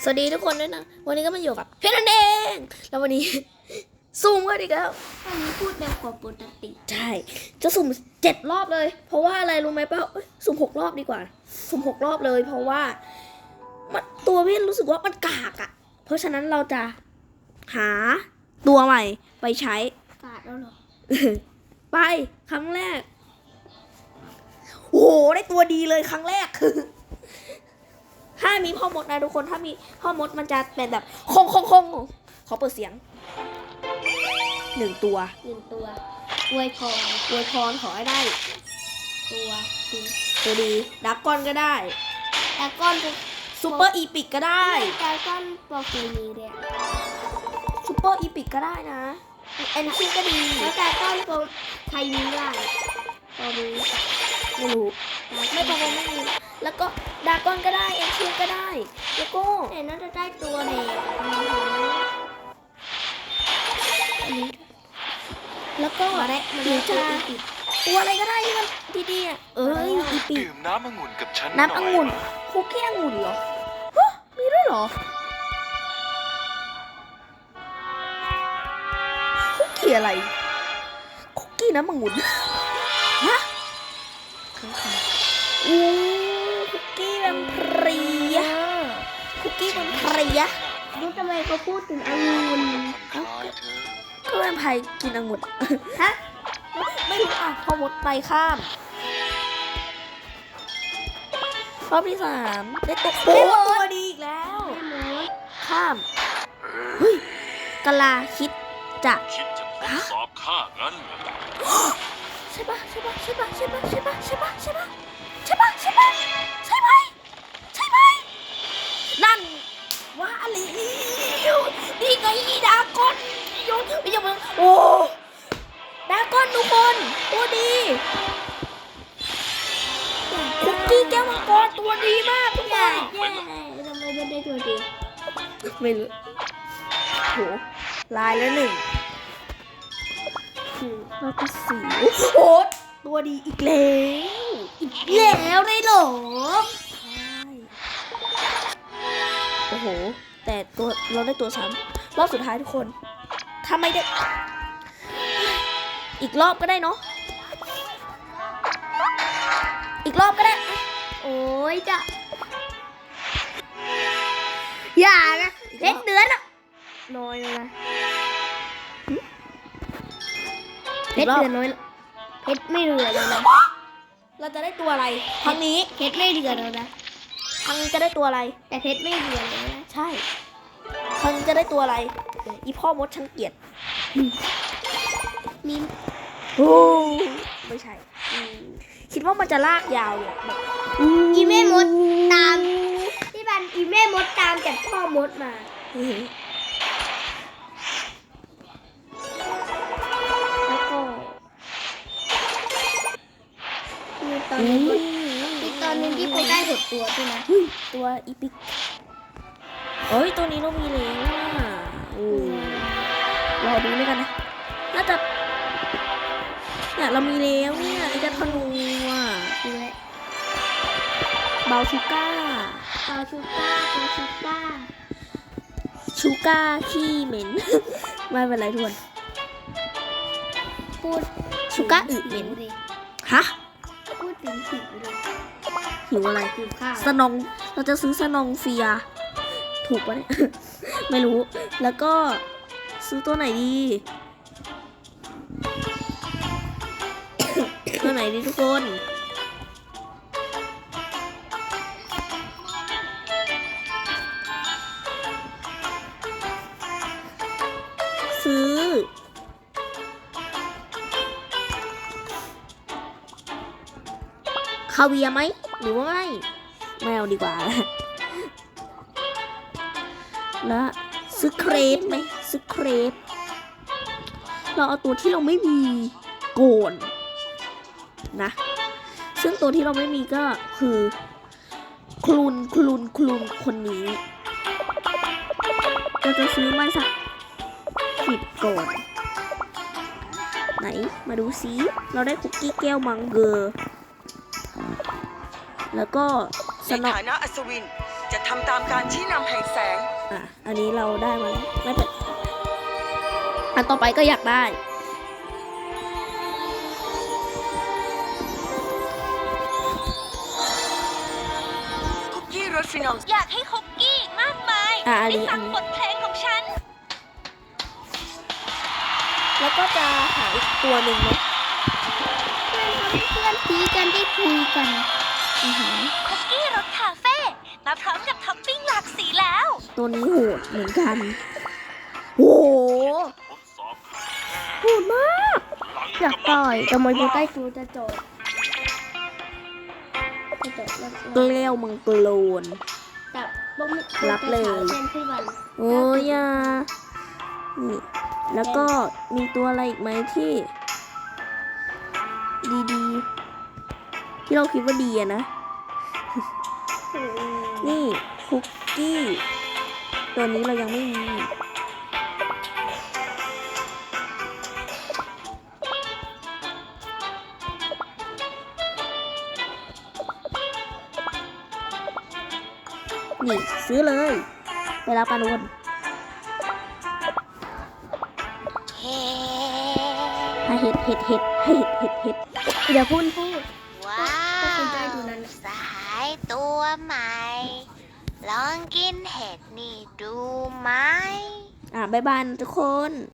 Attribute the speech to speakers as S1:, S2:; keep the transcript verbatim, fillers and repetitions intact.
S1: สวัสดีทุกคนด้วยนะวันนี้ก็มาอยู่กับเพชรนั่นเองแล้ววันนี้ซูมกันอีกแล้ว
S2: วันนี้พูดเร็วกว่าปกติ
S1: ใช่จะสุ่มเจ็ดรอบเลยเพราะว่าอะไรรู้ไหมเป้าสุ่มหกรอบดีกว่าสุ่มหกรอบเลยเพราะว่ามันตัวพี่รู้สึกว่ามันกากอ่ะเพราะฉะนั้นเราจะหาตัวใหม่ไปใช้
S2: กาดแล้วเหรอ
S1: ไปครั้งแรกโอ้โหได้ตัวดีเลยครั้งแรก ถ้ามีพ่อมดนะทุกคนถ้ามีพ่อมดมันจะเป็นแบบคงคงคงขอเปิดเสียงหนึ่งตัว
S2: หนึ่งตัวอวยพร
S1: อวยพรขอให้ได้
S2: ตัวดี
S1: ตัวดีดักก้อนก็ได้
S2: แต่ก้อนจะ
S1: ซูเปอร์อีพิกก็ได้
S2: แต่ก้อนโปรเฟนีเลยอะ
S1: ซูเปอร์อีพิกก็ได้นะแอนคิก็ดี
S2: แล้วแต่ก้อนโปรไทยนี้ได้
S1: ตอนนี้ไม่รู้ไม่ประมาณไม่มีแล้วก็ดากอนก็ได้แอนคิก็ได้แล้วก็
S2: แต่น่าจะได้ตัวเด็ก
S1: แล้วก็
S2: มาได้มา
S1: หรื
S2: ได้
S1: อ
S2: ตัว
S1: จะ
S2: อีปิด
S1: ตัวอะไรก็ได้ที่มันดีๆอ่ะเอ้ยอีปี
S3: ดื่มน้ำองุ่นกับฉัน
S1: น้ำองุ่นคุกกี้องุ่นเหรอฮะมีด้วยเหรอคุกกี้อะไรคุกกี้น้ำองุ่นฮะอู้คุกกี้แวมไพร์อะคุกกี้แวมไพร์อะ
S2: รู้ทำไมเขาพูดถึงองุ่น
S3: คล้ายเธอ
S1: ก็แวมไพร์กินองุ่น
S2: ฮะ
S1: ไม่รู้อ่ะพอหมดไปข้ามรอบที่สามได้ตัวโอ้ตัวดีอีกแล้ว
S2: แม่มด
S1: ข้ามเฮ้ยกะลาคิดจะ
S4: คิดจะทดสอบข้างั้นเหรอ
S1: ใช่ปะใช่ปะใช่ปะใช่ปะใช่ปะใช่ปะใช่ปะใช่ปะใช่ปะใช่ไหมใช่ไหมนั่นว่าอะไรนี่ไงดากอนโยนไม่ยอมโอ้ดากอนทุกคนตัวดีคุกกี้แก้วมังกรตัวดีมากทุกอย่าง
S2: แย่ทำไมไม่ได้ตัวดี
S1: ไม่รู้โหลายแล้วหนึ่งแล้วก็สี่โอ้โหตัวดีอีกแล้วอีก
S2: แล้วได้เหรอ
S1: ใช่โอ้โหแต่ตัวเราได้ตัวซ้ำรอบสุดท้ายทุกคนถ้าไม่ได้อีกรอบก็ได้เนาะอีกรอบก็ได้
S2: โอ้ยจะอย่านะเพชรเดือนอะน้อยเลยนะเพชรเดือนน้อยเพชรไม่เหลือแล้วนะ
S1: เราจะได้ตัวอะไรครั้งนี้
S2: เพชรไม่เหลือแล้วนะ
S1: ครั้งนี้จะได้ตัวอะไร
S2: แต่เพชรไม่เหลือแล้วนะ
S1: ใช่ครั้งนี้จะได้ตัวอะไรอีพ่อมดฉันเกลียด
S2: มี
S1: โอ้ไม่ใช่อืมคิดว่ามันจะลากยาวเนี่ยแบบ
S2: อีแม่มดตามที่บันอีแม่มดตามจากพ่อมดมา
S1: อื้อหือแล้วก็
S2: มีตอนนึงมีตอนนึงที่ไปได้หดตัวใช่ไหม
S1: เฮ้ยตัวอีพิกเอ้ยตัวนี้เรามีแล้วอ่ะโอ้รอดูด้วยกันนะน่าจะเนี่ยเรามีแล้วเนี่ยไอ้เจะธนูอ่ะ
S2: ดูแล
S1: เบาชูก้า
S2: ปาชูก้าปาชูก้า
S1: ชูก้าขี้เหม็น ไม่เป็นไรทุกคน
S2: พูด
S1: ชูก้าอึเหม็น
S2: เลย
S1: ฮะ
S2: พูดถึงหิวเลย
S1: หิวอะไร
S2: หิวข้าว
S1: สนองเราจะซื้อสนองเฟียถูกปะเนี่ย ไม่รู้แล้วก็ซื้อตัวไหนดี ตัวไหนดีทุกคน ซื้อ คาเวียไหมหรือว่าไม่ไม่เอาดีกว่า แล้วซื้อเครปไหมซื้อเครปเราเอาตัวที่เราไม่มีโกนนะซึ่งตัวที่เราไม่มีก็คือคลุนคลุนคลุนคนนี้เราจะซื้อมาสักสิบก่อนไหนมาดูซิเราได้คุกกี้แก้วมังเกอร์แล้วก็ส
S5: ใน
S1: นอ
S5: ฐานะอัศวินจะทำตามการชี้นำแห่งแสง
S1: อ่ะ อันนี้เราได้มาแล้วไม่เป็นอันต่อไปก็อยากได้
S5: คุกกี้รสฟินอล
S2: อยากให้คุกกี้มากมาย
S1: อ่ะอันนี้
S2: ได้ฟัง
S1: อันนี้
S2: บทเพลงของฉัน
S1: แล้วก็จะหาอีกตัวหนึ่งเนาะ
S2: เพื่อนๆคุยกันได้คุยกัน
S1: อือหือ
S2: คุกกี้รสคาเฟ่มาพร้อมกับท็อปปิ้งหลากสีแล้ว
S1: ตัวนี้โหดเหมือนกันโอ้โห
S4: ทดสอบข้า
S1: โหดมาก
S4: หลัง
S1: อยาก
S4: กำลั
S1: ต่
S4: ง
S1: อยแต่มันอยู่ใกล้กูจะโจดจะโจดแล้วเกลียวมึงโกลน
S2: แต่บ่มี
S1: รับเลย
S2: เช่นพี่วัน
S1: โอ้ยอ่ะนี่ แล้วก็มีตัวอะไรอีกไหมที่ ดีๆ ที่เราคิดว่าดีอะนะ นี่คุกกี้ ตัวนี้เรายังไม่มี นี่ ซื้อเลย ไปรับปานุน
S2: เฮ้
S1: ให้เห็ดเห็ดเห็ดให้เห็ดเห็ดเห็ดเดี๋ยวพูดพูด
S2: ว้าวสหายตัวใหม่ ลองกินเห็ดนี่ดูไหม
S1: อ่ะบ๊ายบายนะทุกคน